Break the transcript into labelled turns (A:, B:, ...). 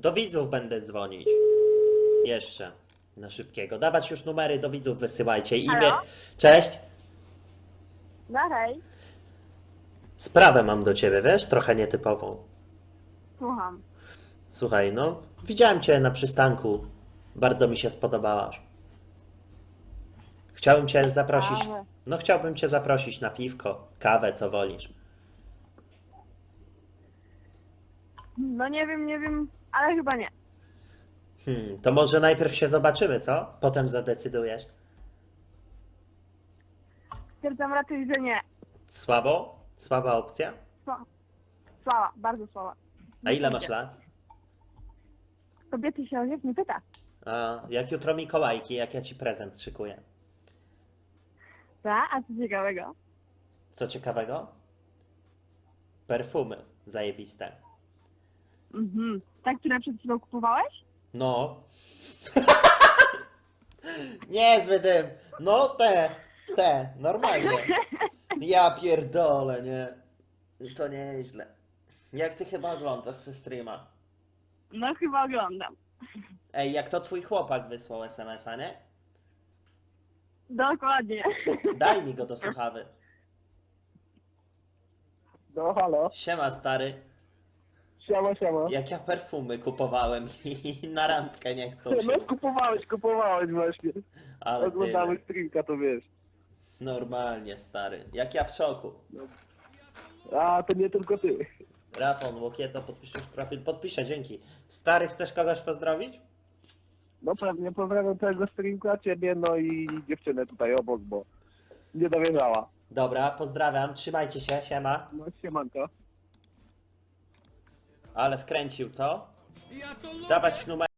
A: Do widzów będę dzwonić. Jeszcze. Na szybkiego. Dawać już numery do widzów wysyłajcie. Imię.
B: Halo?
A: Cześć.
B: No hej,
A: Sprawę mam do ciebie, wiesz? Trochę nietypową.
B: słucham.
A: Słuchaj, no, widziałem cię na przystanku. Bardzo mi się spodobałaś. Chciałbym cię zaprosić.
B: Kawę.
A: No, chciałbym cię zaprosić na piwko, kawę, co wolisz.
B: No nie wiem, ale chyba nie.
A: To może najpierw się zobaczymy, co? Potem zadecydujesz.
B: Stwierdzam raczej, że nie.
A: Słabo? Słaba opcja?
B: Słaba, bardzo słaba.
A: A ile masz lat?
B: Kobiety się o wiek nie pyta.
A: A, jak jutro Mikołajki, jak ja ci prezent szykuję.
B: A co ciekawego?
A: Co ciekawego? Perfumy zajebiste.
B: Tak, które przed chwilą kupowałeś?
A: No. Niezły dym. No normalnie. Ja pierdolę, nie? To nieźle. Jak ty chyba oglądasz ze streama?
B: No chyba oglądam.
A: Ej, jak to twój chłopak wysłał SMS-a, nie?
B: Dokładnie.
A: Daj mi go do słuchawy.
C: No halo,
A: Siema stary.
C: siema.
A: Jak ja perfumy kupowałem i na randkę nie chcą się.
C: No kupowałeś właśnie.
A: Ale
C: Oglądamy
A: tyle.
C: streamka, to wiesz.
A: Normalnie stary. Jak ja w szoku.
C: A, to nie tylko ty.
A: Rafał Łokieto, podpiszesz profil? Podpiszę, dzięki. Stary, chcesz kogoś pozdrowić?
C: No pewnie pozdrawiam całego streamka, ciebie, no i dziewczynę tutaj obok, bo nie dowierzała.
A: Dobra, pozdrawiam, trzymajcie się, siema.
C: No siemanko.
A: Ale wkręcił, co? Dawać numer.